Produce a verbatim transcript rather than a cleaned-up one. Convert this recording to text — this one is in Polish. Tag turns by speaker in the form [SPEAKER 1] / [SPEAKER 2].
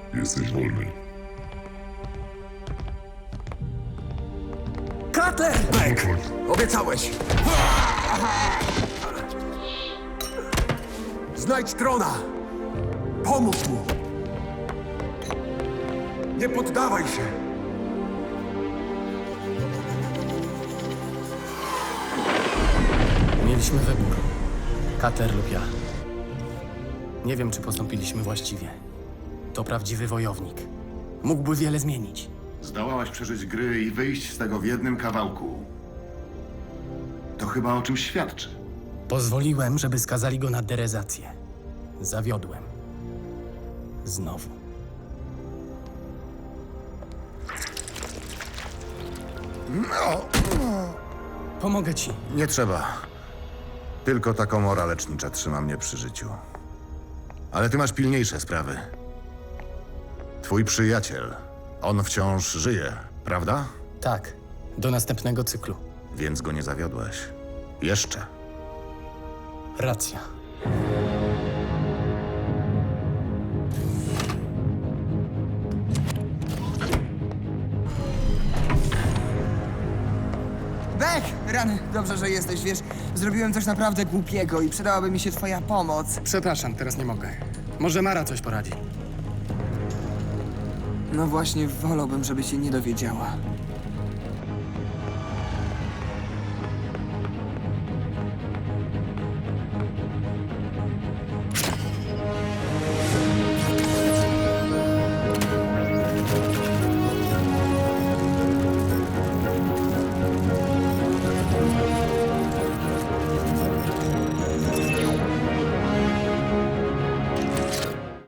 [SPEAKER 1] Jesteś wolny.
[SPEAKER 2] Cutler! Beck! Obiecałeś! Znajdź Trona! Pomóż mu! Nie poddawaj się!
[SPEAKER 3] Mieliśmy wybór. Cutler lub ja. Nie wiem, czy postąpiliśmy właściwie. To prawdziwy wojownik. Mógłby wiele zmienić.
[SPEAKER 4] Zdołałaś przeżyć gry i wyjść z tego w jednym kawałku. To chyba o czymś świadczy.
[SPEAKER 3] Pozwoliłem, żeby skazali go na derezację. Zawiodłem. Znowu. Pomogę ci.
[SPEAKER 5] Nie trzeba. Tylko ta komora lecznicza trzyma mnie przy życiu. Ale ty masz pilniejsze sprawy. Twój przyjaciel, on wciąż żyje, prawda?
[SPEAKER 3] Tak. Do następnego cyklu.
[SPEAKER 5] Więc go nie zawiodłeś. Jeszcze.
[SPEAKER 3] Racja.
[SPEAKER 6] Beck! Rany, dobrze, że jesteś, wiesz, zrobiłem coś naprawdę głupiego i przydałaby mi się twoja pomoc.
[SPEAKER 3] Przepraszam, teraz nie mogę. Może Mara coś poradzi.
[SPEAKER 6] No właśnie, wolałbym, żeby się nie dowiedziała.